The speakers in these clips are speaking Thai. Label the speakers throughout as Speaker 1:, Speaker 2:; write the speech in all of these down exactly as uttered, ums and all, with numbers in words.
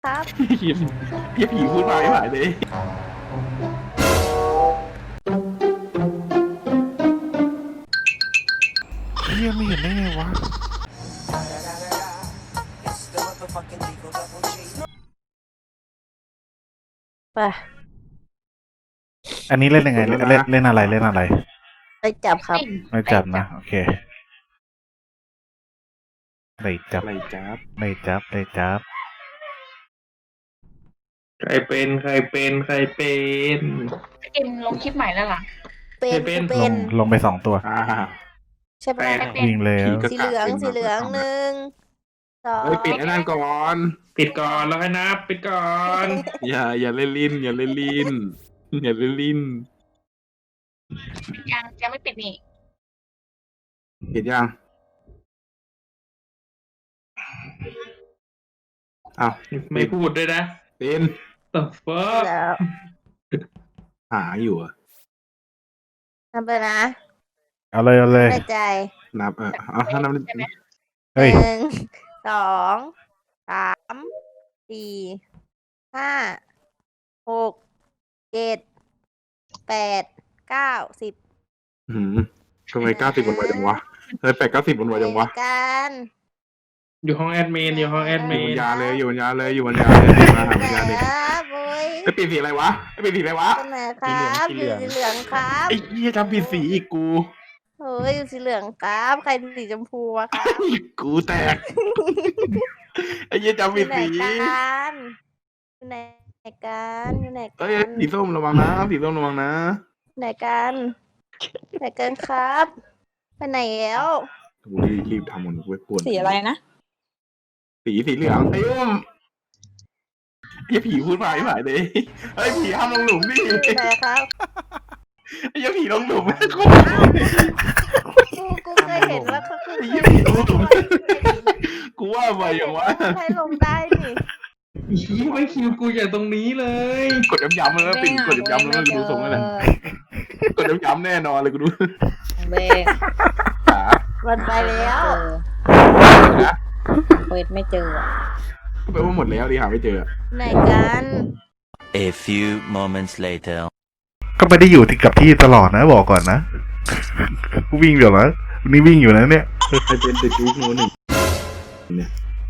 Speaker 1: ครับ
Speaker 2: พี่พี่ผีพูดมาไม่หายเลย
Speaker 3: เฮียไม่เห็นได้ไงวะ
Speaker 1: ไป
Speaker 3: อันนี้เล่นยังไงเล่นเล่นเล่นอะไรเล่นอะไร
Speaker 1: ไปจับครับ
Speaker 3: ไม่จับนะโอเคไม่จับ
Speaker 2: อะไรจับ
Speaker 3: ไม่จับไม่จับ
Speaker 2: ใครเป็นใครเป็นใครเป็น
Speaker 4: เอ็มลงคลิปใหม่แล้วเหรอ
Speaker 1: เป็น
Speaker 2: เป็น
Speaker 1: เป็น
Speaker 3: ลงลงไปสองตัว
Speaker 2: อ่า
Speaker 1: ใช่ปะ
Speaker 2: แปด
Speaker 3: วิ่งแล้ว
Speaker 1: สีเหลืองสีเหลืองหนึ่งสอง
Speaker 2: เฮ้ยปิดไอ้นั่นก่อน ปิดก่อนแล้วให้นับปิดก่อน อย่าอย่าเล่นลิ้นอย่าเล่นลิ้นอย่าเล่นลิ้น
Speaker 4: ยังยังไม่ปิดนี่
Speaker 2: ปิดยังอ้าวไม่พูดด้วยนะเป็น the fuck
Speaker 1: แล้ว
Speaker 2: หาอยู่อะ
Speaker 1: ทำไปนะ
Speaker 3: เอาเลยเอาเลย
Speaker 1: ในใจ
Speaker 2: นับเออเอาถ้านับ
Speaker 4: ใช่ไหม
Speaker 3: เฮ้ย
Speaker 1: หนึ่งสองสามสี่ห้าหกเจ็ดแปดเก้าสิบ
Speaker 2: หืมทำไมเก้าสิบวันไวจังวะเฮ้ยแปดเก้าสิบวันไวจังวะ
Speaker 1: กัน
Speaker 5: อยู่ห้องแอดมินอยู่ห้องแอด
Speaker 2: อ
Speaker 5: มิ
Speaker 2: ยู่บ
Speaker 5: น
Speaker 2: นยาเลยอยู่บนยาเลยอยู่บนยาเลยมาหาบนยาเลย
Speaker 1: ครับโอ้ย
Speaker 2: ไปปิดสีอะไรวะไปปิดสีอะไรวะ
Speaker 1: เป็นไหนครับอยู่สีเหลืองครับ
Speaker 2: ไอ้เหี้ยจำผิดสีอีกกู
Speaker 1: โอ้ยอยู่สีเหลืองครับใครสีชมพูอะครับ
Speaker 2: กูแตกไอ้เหี้ยจำ
Speaker 1: อ
Speaker 2: ผิด
Speaker 1: ยู่ไหน
Speaker 2: สี
Speaker 1: กันอยู่ไหนกันอยู่ไหน
Speaker 2: เอ้
Speaker 1: กั
Speaker 2: ย
Speaker 1: น
Speaker 2: สีส้มระวังนะสีส้มระวังนะ
Speaker 1: ไหนกันไหนกันครับ ไปไหนแล้ว
Speaker 2: กูรีบทำมันเว้ยปวด
Speaker 4: สีอะไรนะ
Speaker 2: สีสีเหลืองไอ้อุ้มไอ้ผีพูดมาไม่หายเลยไอ้ผีห้ามลงหลุมดิ
Speaker 1: อยู่ไหนครับ
Speaker 2: ไอ้ผีลงหลุม
Speaker 1: กูกูเคยเห็นว่าเขาคือ
Speaker 2: ไอ้
Speaker 1: เคย
Speaker 2: ผี
Speaker 1: เห็น
Speaker 2: ลงหลุมกูว่าไปอย่างวะ
Speaker 1: ใครลงได้นี่
Speaker 5: ชี้ไม่คิวกูอย่างตรงนี้เลย
Speaker 2: กดย้ำๆเลยนะปิดกดย้ำๆแล้วมันดูทรงแล้วแหละกดย้ำๆแน่นอนเลยกูดู
Speaker 4: เบง
Speaker 2: ขา
Speaker 1: มันไปแล้ว
Speaker 2: นะ
Speaker 4: เปิดไม่เจอ
Speaker 2: ก็แปลว่าหมดแล้วดิหาไม่เจอ
Speaker 1: ไหนกัน
Speaker 6: A few moments later.
Speaker 3: ก็ไม่ได้อยู่ที่กับที่ตลอดนะบอกก่อนนะ วิ่งเดี๋ยวนะวันนี้วิ่งอยู่นะเนี่ย
Speaker 2: ใครเป็นเดอะจู๊กโน้นหนึ่งเนี่ย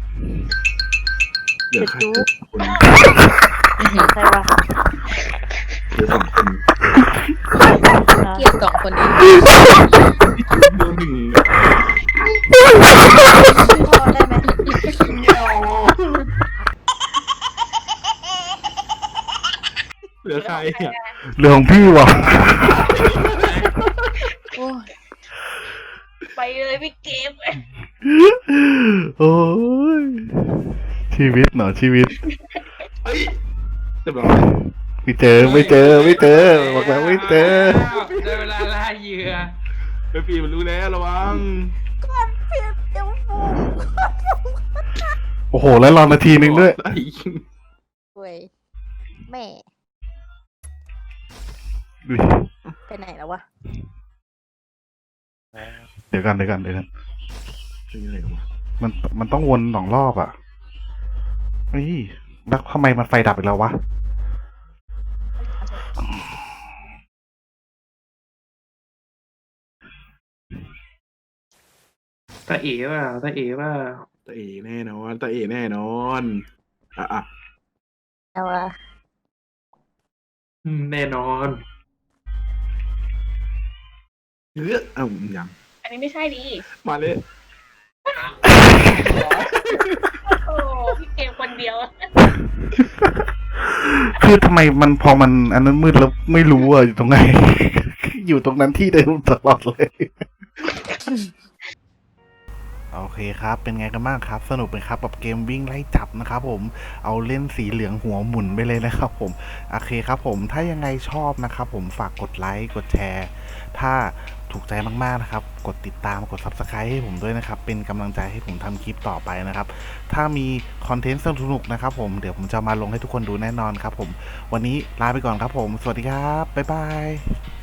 Speaker 2: เหลือใครคน
Speaker 1: ใครวะ
Speaker 2: เหลือสองคน
Speaker 4: เกียร์สองคนนี้
Speaker 2: โดนหนึ่ง
Speaker 1: พ่อได้ไหม
Speaker 2: เงี้ยวเหลือใครอ่ะ
Speaker 3: เรื่องของพี่วะ
Speaker 4: โอ้ยไปเลยพี่เกม
Speaker 3: โอ้ยชีวิตเนาะชีวิต
Speaker 2: เฮ้ยเรียบร้อย
Speaker 3: ไม่เจอไม่เจอไม่เจอบอกแล้วไม่เจอ
Speaker 5: ได้เวลาล่าเหยื่อ
Speaker 2: ไปปีมันรู้แล้วระวัง
Speaker 1: ก้อนเพียบเจ้าฟู
Speaker 3: โอ้โหแล้วรอนาทีหนึ่งด้วย
Speaker 2: ไอ้
Speaker 1: เว้ยแม่
Speaker 3: อุ๊ย
Speaker 1: ไปไหนแล้ววะ
Speaker 3: เดี๋ยวกันเดี๋ยวกันเดี๋ยวกัน
Speaker 2: นี่อะไรวะ
Speaker 3: มันมันต้องวนสองรอบอ่ะเฮ้ยแล้วทำไมมันไฟดับอีกแล้ววะ
Speaker 5: ตาเอ๋ว่าตาเอ๋ว่า
Speaker 2: ตาเอแน่นอนตาเอแน่นอนอ่ะอ่ะ
Speaker 1: เอาวะ
Speaker 5: อืมแน่นอน
Speaker 2: เฮ้ยเอ้ายัง
Speaker 4: อันนี้ไม่ใช่ดิ
Speaker 2: มาเลย
Speaker 4: โอ้พี่เกมคนเดียว
Speaker 3: คือทำไมมันพอมันอันนั้นมืดแล้วไม่รู้อ่ะอยู่ตรงไหน อยู่ตรงนั้นที่เดิมตลอดเลย โอเคครับ เป็นไงกันบ้างครับ สนุกไหมครับกับเกมวิ่งไล่จับนะครับผม เอาเล่นสีเหลืองหัวหมุนไปเลยนะครับผม โอเคครับผม ถ้ายังไงชอบนะครับผม ฝากกดไลค์ กดแชร์ ถ้าถูกใจมากๆนะครับ กดติดตาม กด ซับสไครบ์ ให้ผมด้วยนะครับ เป็นกำลังใจให้ผมทำคลิปต่อไปนะครับ ถ้ามีคอนเทนต์สนุกๆนะครับผม เดี๋ยวผมจะมาลงให้ทุกคนดูแน่นอนครับผม วันนี้ลาไปก่อนครับผม สวัสดีครับ บ๊ายบาย